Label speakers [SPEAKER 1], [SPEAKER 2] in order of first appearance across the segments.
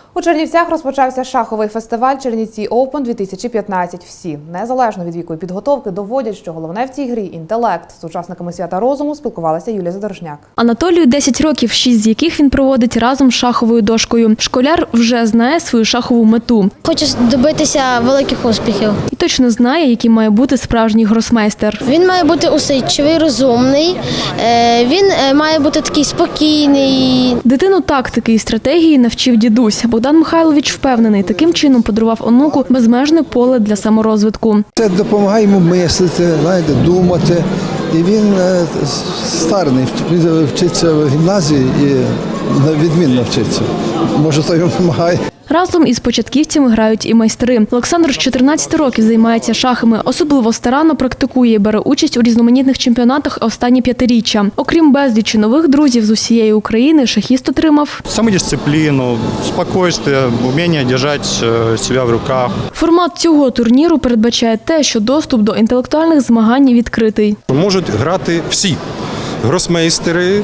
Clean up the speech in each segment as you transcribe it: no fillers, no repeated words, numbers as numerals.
[SPEAKER 1] У Чернівцях розпочався шаховий фестиваль «Чернівці Open-2015». Всі, незалежно від віку і підготовки, доводять, що головне в цій грі – інтелект. З учасниками свята розуму спілкувалася Юлія Задорожняк.
[SPEAKER 2] Анатолію 10 років, 6 з яких він проводить разом з шаховою дошкою. Школяр вже знає свою шахову мету.
[SPEAKER 3] Хочу добитися великих успіхів.
[SPEAKER 2] І точно знає, яким має бути справжній гросмейстер.
[SPEAKER 3] Він має бути усидчивий, розумний, він має бути такий спокійний.
[SPEAKER 2] Дитину тактики і стратегії навчив дідусь. Богдан Михайлович впевнений, таким чином подарував онуку безмежне поле для саморозвитку.
[SPEAKER 4] Це допомагає йому мислити, думати. І він старий, вчиться в гімназії і відмінно вчиться. Може, то йому допомагає.
[SPEAKER 2] Разом із початківцями грають і майстри. Олександр з 14 років займається шахами. Особливо старанно практикує і бере участь у різноманітних чемпіонатах останні 5-річчя. Окрім безлічі нових друзів з усієї України, шахіст отримав
[SPEAKER 5] самодисципліну, спокійствие, вміння тримати себе в руках.
[SPEAKER 2] Формат цього турніру передбачає те, що доступ до інтелектуальних змагань відкритий.
[SPEAKER 6] Можуть грати всі – гросмейстери,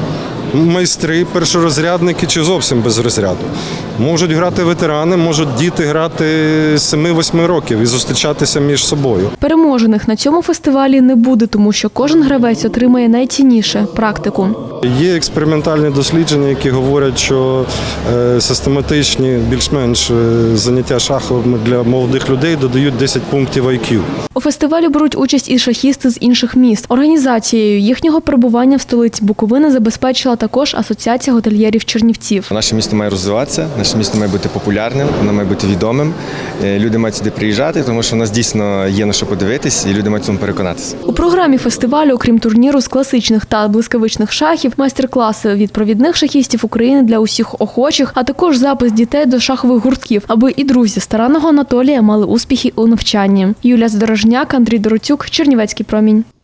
[SPEAKER 6] майстри, першорозрядники чи зовсім без розряду. Можуть грати ветерани, можуть діти грати 7-8 років і зустрічатися між собою.
[SPEAKER 2] Переможених на цьому фестивалі не буде, тому що кожен гравець отримає найцінніше – практику.
[SPEAKER 6] Є експериментальні дослідження, які говорять, що систематичні, більш-менш заняття шахами для молодих людей додають 10 пунктів IQ.
[SPEAKER 2] У фестивалі беруть участь і шахісти з інших міст. Організацією їхнього перебування в столиці Буковини забезпечила також Асоціація готельєрів Чернівців.
[SPEAKER 7] Наше місто має розвиватися, наше місто має бути популярним, воно має бути відомим. Люди мають сюди приїжджати, тому що у нас дійсно є на що подивитись, і люди мають цьому переконатися.
[SPEAKER 2] У програмі фестивалю, окрім турніру з класичних та блискавичних шахів, майстер-класи від провідних шахістів України для усіх охочих, а також запис дітей до шахових гуртків, аби і друзі старанного Анатолія мали успіхи у навчанні. Юлія Задорожняк, Андрій Дороцюк, Чернівецький промінь.